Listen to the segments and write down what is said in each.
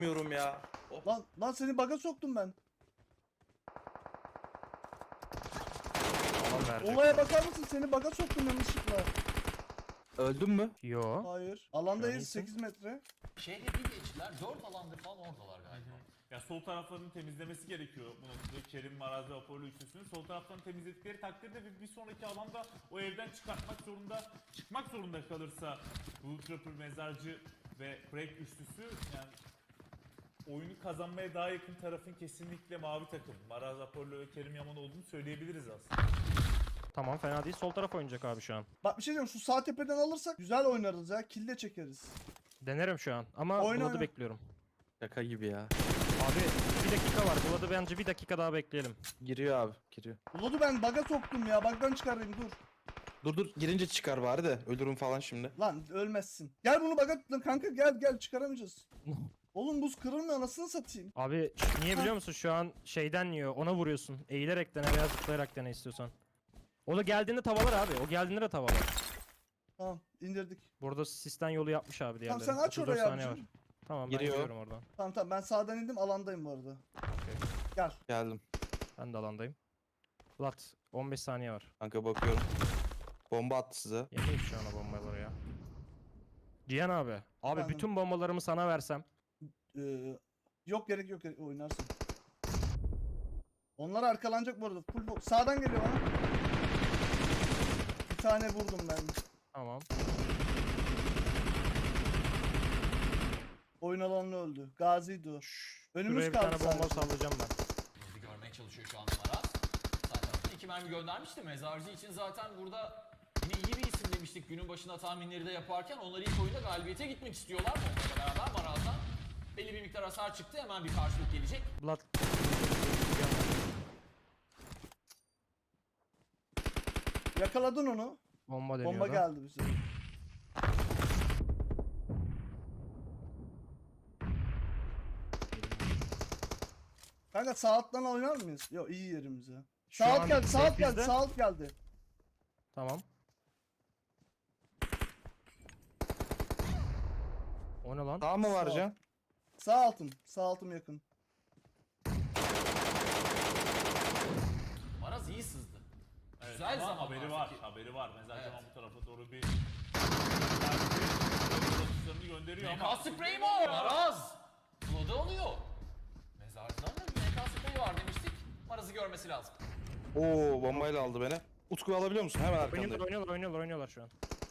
Bilmiyorum ya. Hop. Lan seni baga soktum ben. Alan verecek. Olaya bakar mısın? Seni baga soktum yanlışlıkla. Öldün mü? Yo. Hayır. Şu an Alandayız iyisin. 8 metre. Şehre bir geçtiler, 4 alandır falan oradalar galiba. Ya sol taraflarını temizlemesi gerekiyor bu noktada. Kerim, Maraz ve Apollo üçlüsünün sol taraflarını temizledikleri takdirde bir sonraki alanda o evden çıkmak zorunda kalırsa bu Trapper, Mezarcı ve Break üçlüsü yani oyunu kazanmaya daha yakın tarafın kesinlikle mavi takım. Maraz, Apollo ve Kerim Yaman olduğunu söyleyebiliriz aslında. Tamam, fena değil. Sol taraf oynayacak abi şu an. Bak bir şey diyeyim, şu sağ tepeden alırsak güzel oynarız ya. Kill de çekeriz. Denerim şu an ama Oyna, Vlad'ı oyna. bekliyorum. Şaka gibi ya. Abi bir dakika var. Vlad'ı bence bir dakika daha bekleyelim. Giriyor abi, giriyor. Ulan ben baga soktum ya. Bagdan çıkarayım dur. Dur girince çıkar bari de ölürüm falan şimdi. Lan ölmezsin. Gel bunu baga lan kanka, gel çıkaramayacağız. Oğlum buz kırılmıyor, anasını satayım. Abi niye biliyor musun? Şu an şeyden yiyor. Ona vuruyorsun. Eğilerek dene veya zıplayarak dene istiyorsan. O da geldiğinde tavalar abi. O geldiğinde de tavalar. Tamam indirdik. Burada sistem yolu yapmış abi diğerleri. Tamam sen aç 34 orayı saniye abicim. var. Tamam ben Giriyor. giriyorum oradan. Tamam ben sağdan indim, alandayım bu arada. Gel. Geldim. Ben de alandayım. Vlad 15 saniye var. Kanka bakıyorum. Bomba attı size. Yemeyin şu an o bombaları ya. Cihan abi. Abi Efendim? bütün bombalarımı sana versem. Yok gerek oynarsın. Onlar arkalanacak bu arada. Sağdan geliyor bana. Bir tane vurdum ben. Tamam. Oyun alanı öldü. Gazi'ydi o. Önümüz Şuraya bir kaldı tane bomba sadece. sallayacağım ben. Bir görmeye çalışıyor şu anda Maraz. Sağ taraftan 2 mermi göndermişti. Mezarcı için zaten burada yine iyi bir isim demiştik günün başında tahminleri de yaparken. Onlar ilk oyunda galibiyete gitmek istiyorlar. Onlarla beraber Maraz'dan belli bir miktar hasar çıktı. Hemen bir karşılık gelecek. Vlad. Yakaladın onu. Bomba deniyordu. Bomba geldi bize. Kanka sağ alttan oynar mıyız? Yok iyi yerimize. Şu Sağ alt an geldi, sağ alt geldi, bizde. sağ alt geldi. Tamam. O ne lan? Sağ mı var Sağ. Can? Sağ altım yakın. Maraz iyi sızdı. Evet, Güzel ama zaman haberi var. Mezarcı Evet. Yaman bu tarafa doğru bir atışlarını gönderiyor MK ama sprey mi o? Maraz! Flood'u alıyor. Mezarcıdan da bir MK sprey var demiştik. Maraz'ı görmesi lazım. Oo bombayla aldı beni. Utku alabiliyor musun? Hemen arkandayım. Oynuyorlar şu an.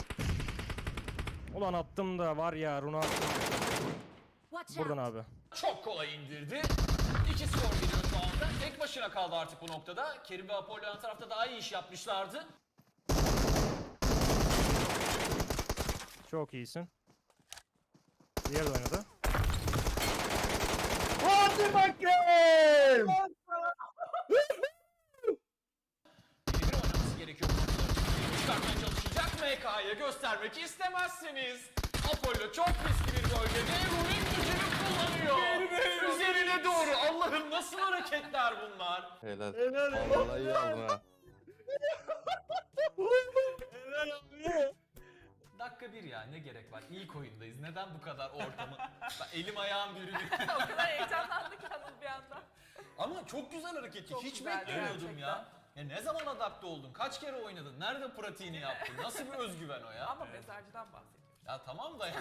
Ulan attım da var ya Runa attım. Buradan abi. Çok kolay indirdi. 2 skor geliyor şu anda. Tek başına kaldı artık bu noktada. Kerim ve Apollo yan tarafta daha iyi iş yapmışlardı. Çok iyisin. Diğer de oynadı. Hadi bakayım! Birebir oynaması gerekiyor. Kontrolü çıkartmaya çalışacak MK'ya göstermek istemezsiniz. Apollo çok riskli bir bölgede Ruin gücünü kullanıyor. Üzerine doğru. Allah'ım nasıl hareketler bunlar? Helal. Vallahi iyi aldın ha. Dakika 1 ya ne gerek var? İlk oyundayız. Neden bu kadar ortamı? Elim ayağım bürünüyor. O kadar heyecanlandık Anıl bir anda. Ama çok güzel hareketti. Çok Hiç güzeldi beklemiyordum gerçekten. ya. Ya ne zaman adapte oldun? Kaç kere oynadın? Nerede pratiğini yaptın? Nasıl bir özgüven o ya? Ama mezarcıdan bahsediyoruz. Ya tamam da ya.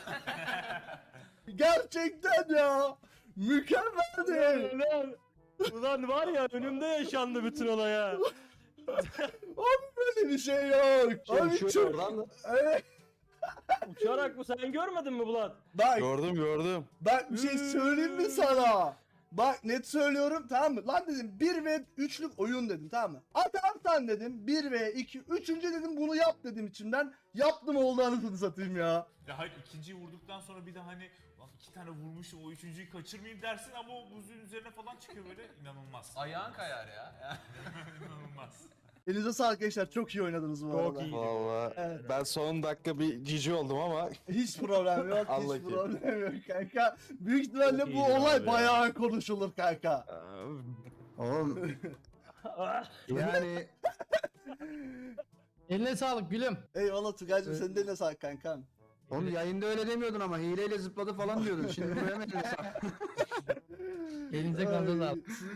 Gerçekten ya! Mükemmeldi! Ulan var ya önümde yaşandı bütün olay ya. Abi böyle bir şey yok. Abi çok... oradan da. Evet. Uçarak mı sen görmedin mi Vlad? Bak Gördüm. bir şey söyleyeyim mi sana? Bak net söylüyorum, tamam mı? Lan dedim 1 ve 3'lük oyun dedim, tamam mı? Atarsan dedim 1 ve 2, 3. dedim bunu yap dedim içimden. Yaptım, oldu anasını satayım ya. ya hayır ikinciyi vurduktan sonra bir de hani lan iki tane vurmuşum o üçüncüyü kaçırmayayım dersin ama o buzun üzerine falan çıkıyor böyle inanılmaz. Ayağın kayar ya. İnanılmaz. Elinize sağlık gençler, çok iyi oynadınız bu Çok arada. iyi. Vallahi Evet. ben son dakika bir cici oldum ama Hiç problem yok, Allah hiç ki. problem yok kanka. Büyük ihtimalle Çok bu iyiydi olay abi ya. bayağı konuşulur kanka. Oğlum yani eline sağlık gülüm. Eyvallah Tugay'cım, senin de eline sağlık kankam. Oğlum yayında öyle demiyordun ama hileyle zıpladı falan diyordun. Şimdi buraya mı Elinize kaldınız abi. Ay,